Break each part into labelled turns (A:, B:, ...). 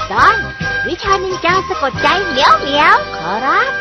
A: ตอนวิชานินจาสะกดใจเหมียวเหมียวขอรับ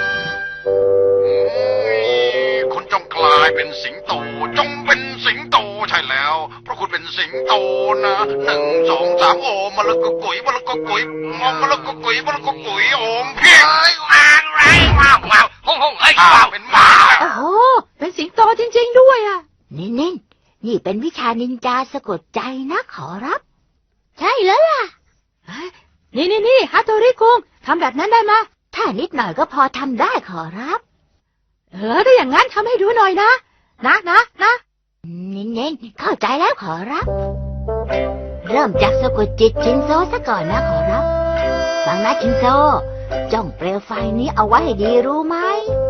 B: คุณจงกลายเป็นสิงโตจงเป็นสิงโตใช่แล้วเพราะคุณเป็นสิงโตนะ1 2 3โอมมะละกอกุ๋ยมะละกอกุ๋ยมะละกอกุ๋ยมะละกอกุ๋ยโอมเพียงว้าวว้าวห้องเอ้ยว้าวเป็นหมา
C: โอ้โหเป็นสิงโตจริงๆด้วยอ่ะ
A: นี่เป็นวิชานินจาสะกดใจนะขอรับใช่แล้วล่ะ
C: นี่ฮัตโตริคุงทำแบบนั้นได้ไหม
A: ถ้านิดหน่อยก็พอทำได้ขอรับ
C: ถ้าอย่างนั้นทำให้ดูหน่อยนะ
A: เน้นเข้าใจแล้วขอรับเริ่มจากสะกดจิตชินโซซะก่อนนะขอรับฟังนะชินโซจ้องเปลวไฟนี้เอาไว้ให้ดีรู้ไหม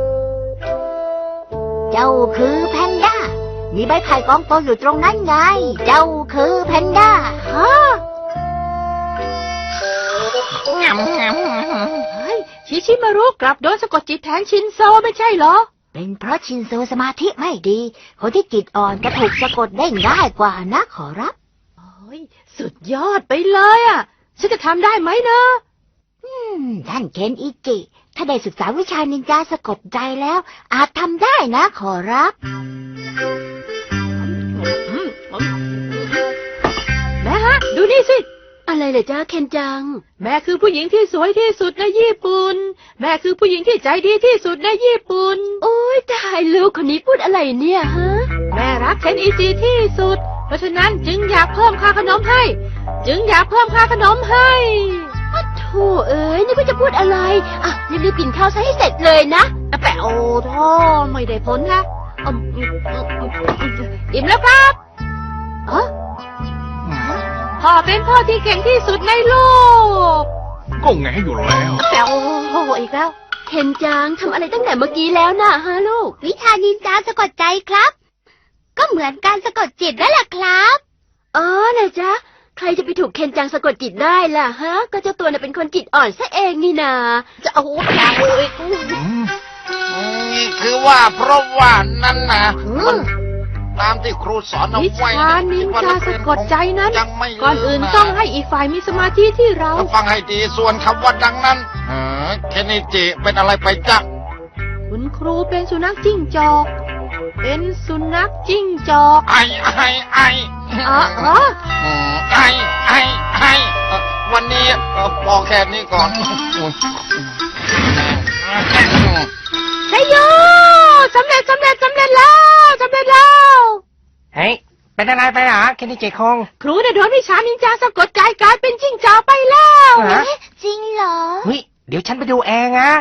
A: เจ้าคือแพนด้ามีใบไผ่กองโตอยู่ตรงนั้นไงเจ้าคือแพนด้าฮะ
C: ชิมารุกลับโดนสะกดจิตแทนชินโซไม่ใช่เหรอ
A: เป็นเพราะชินโซสมาธิไม่ดีคนที่จิตอ่อนจะถูกสะกดได้ง่ายกว่านะขอรับ
C: สุดยอดไปเลยอ่ะฉันจะทำได้ไหมนะ
A: ท่านเคนอิจิถ้าได้ศึกษาวิชานินจาสะกดใจแล้วอาจทำได้นะขอรับ
C: แม่ฮะดูนี่สิ
D: อะไรเลยจ้าเคนจัง
C: แม่คือผู้หญิงที่สวยที่สุดในญี่ปุ่นแม่คือผู้หญิงที่ใจดีที่สุดในญี่ปุ่น
D: โอ๊ยตายลูกคนนี้พูดอะไรเนี่ยฮะ
C: แม่รักเคนอิจิที่สุดเพราะฉะนั้นจึงอยากเพิ่มค่าขนมให้
D: โธ่เอ้ยนี่ก็จะพูดอะไรอ่ะรีบๆกินข้าวซะให้เสร็จเลยนะ
C: แปะโอ้ท่อไม่ได้ผลนะอิ่มแล้วครับพ่อเป็นพ่อที่เก่งที่สุดในโลก
B: ก็แงอยู่แล้ว
C: แต่โอ้อีกแล้ว
D: เคนจังทำอะไรตั้งแต่เมื่อกี้แล้วนะฮะลูก
A: วิชานินจาสะกดใจครับก็เหมือนการสะกดจิตนั่นแหละครับ
D: นะจ๊ะใครจะไปถูกเคนจังสะกดจิตได้ล่ะฮะก็เจ้าตัวน่ะเป็นคนจิตอ่อนซะเองนี่นา
C: จะเอาเลย
B: คือว่าเพราะว่านั่นนะตามที่ครูสอนเอาไว้
C: วิชานินจาสะกดใจนั้นก่อนอื่นต้องให้อีกฝ่ายมีสมาธิที่เรา
B: ฟังให้ดีส่วนคำว่าดังนั้นเคนอิจิเป็นอะไรไปจ๊ะ
C: คุณครูเป็นสุนัขจิ้งจอก
B: วันนี้พอแค่นี้ก่อน
C: ใช่โยสำเร็จแล้ว
E: เฮ้ยเป็นอะไรไปหรอเคนอิจิคง
C: ครูได้โดนวิชานินจาสะกดใจกลายเป็นจิ้งจอกไปแล้ว
A: จริงเหรอ
E: เฮ้ยเดี๋ยวฉันไปดูเองนะ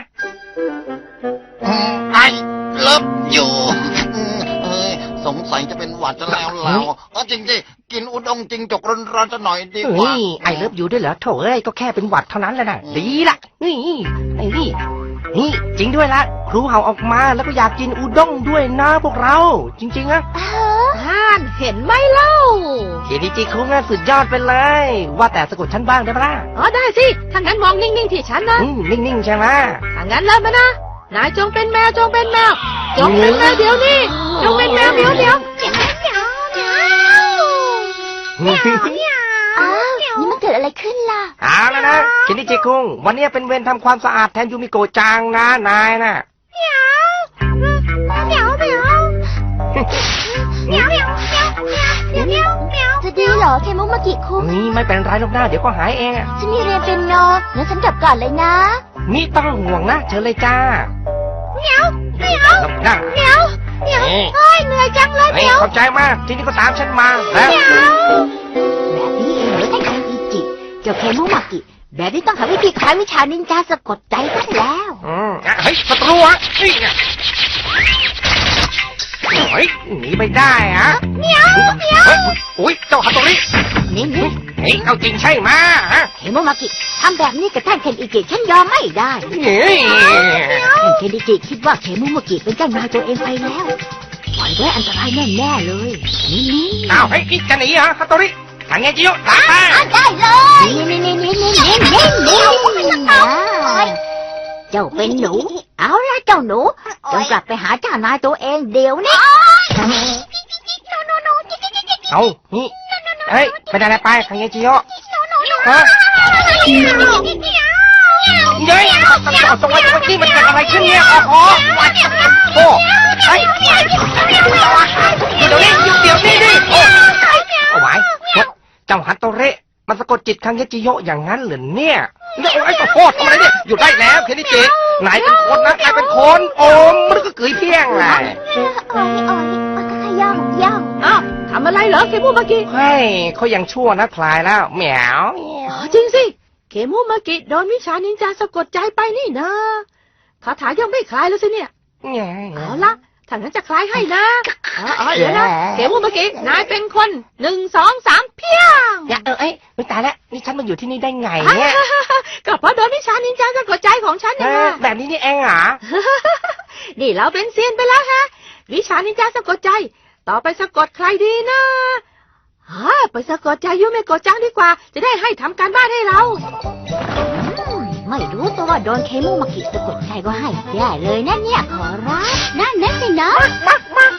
B: ไอเลิฟอยู่สงสัยจะเป็นหวัดจะแล้วเราจริงกินอุด้งจริงจกร้อนๆจะหน่อยดีกว่า
E: ไอเลิฟอยู่ด้วยเหรอโถเอ้ยก็แค่เป็นหวัดเท่านั้นแหละนะดีละนี่จริงด้วยละครูเห่าออกมาแล้วก็อยากกินอุด้งด้วยนะพวกเราจริงๆนะ
C: เห็นไหมเล่า
E: เคนอิจิคุงน่ะสุดยอดไปเลยว่าแต่สะกดฉันบ้างได้ปะ
C: ได้สิถ้างั้นมองนิ่งๆที่ฉันนะ
E: นิ่งๆใช่ไหม
C: ถ้างั้นเริ่มมานะนายจงเป็นแมวเดี๋ยวนี้จงเป็นแมวเดี๋ยว
A: นี่มันเกิดอะไรขึ้นล่ะ
E: เอาแล้วนะเคนอิจิคุงวันนี้เป็นเวรทำความสะอาดแทนยูมิโกะจังนะนายน่ะ
A: จะดีเหรอเคมุมากิคุง
E: นี่ไม่เป็นไรหรอกนะเดี๋ยวก็หายเอง
A: ฉันมีเรียนเป็นโนงั้นฉันกลับก่อนเลยนะ
E: นี่ต้องห่วงนะเชิญเลยจ้า
A: เหนียวเฮ้ยเหนื่อยจังเลยเหนียว
E: ขอบใจมากที่นี่ก็ตามฉันมา
A: แล้วแบบนี้เองเหรอท่านอิจิเจ้าเคมุมากิแบบนี้ต้องหาวิธีคลายวิชานินจาสะกดใจซะแล้ว
E: เฮ้ยศัตรูอ่ะเฮ้ยหนีไปได้ฮะ
A: เหนียว
E: อุ้ยเจ้าฮัตโตริ
A: นี่
E: เฮ้ยเอาจริงใช่ไหม
A: เคมุมากิทำแบบนี้กับท่านเคนอิจิฉันยอมไม่ได้ท่านเคนอิจิคิดว่าเคมุมากิเป็นเจ้านายตัวเองไปแล้วปล่อยไว้อันตรายแน่ๆเลยนี่
E: เอาเฮ้ยจะหนีเหรอฮัตโตริทางไงจิโยตาม
A: มาได้เลยเจ้าเป็นหนูเอาละเจ้าหนูจงกลับไปหาเจ้านายตัวเองเดี๋ยวนี้
E: เอานี่เฮ้ยเป็นอะไรไปทางไงจิโยฮะเย้ยตรงนี้มันเกิดอะไรขึ้นเนี่ยโอ้โหเฮ้ยเดี๋ยวนี้ดิโอ้เอาไว้เจ้าฮัตโตเระมันสะกดจิตคังเยจิโยะอย่างนั้นเหรอเนี่ยเนี่ยไอ้ขอโทษทำไมเนี่ยหยุดได้แล้วเคนิจินายเป็นคนนะนายเป็นคนโอมมันก็เกยเพี้ยงไง
A: ย่อง
C: อ้าวทำอะไรเหรอเคมูมากิ
E: เฮ้ยเขายังชั่วนะพลายแล้วแหมว
C: อ๋อจริงสิเคมูมากิโดนวิชานินจาสะกดใจไปนี่นะคาถายังไม่คลายแล้วสิเนี่ย เอาละถ้างั้นจะคลายให้นะเดี๋ยวนะเคมูมากินายเป็นคน1 2 3เพียง
E: อย่าไม่ตายแล้วนี่ฉันมาอยู่ที่นี่ได้ไงเนี่ย
C: ก็เพราะโดนวิชานินจาสะกดใจของฉันนี่นะ
E: แบบนี้นี่เองเหรอ
C: นี่เราเป็นเซียนไปแล้วฮะวิชานินจาสะกดใจ ต่อไปสะกดใครดีนะไปสะกดใจยูเมโกะจังดีกว่า จะได้ให้ทำการบ้านให้เรา
A: ไม่รู้ตัวว่าโดนเคมูมากิสะกดใจก็ให้แย่เลยนะเนี่ยขอรับนั่นสินะ
E: มาก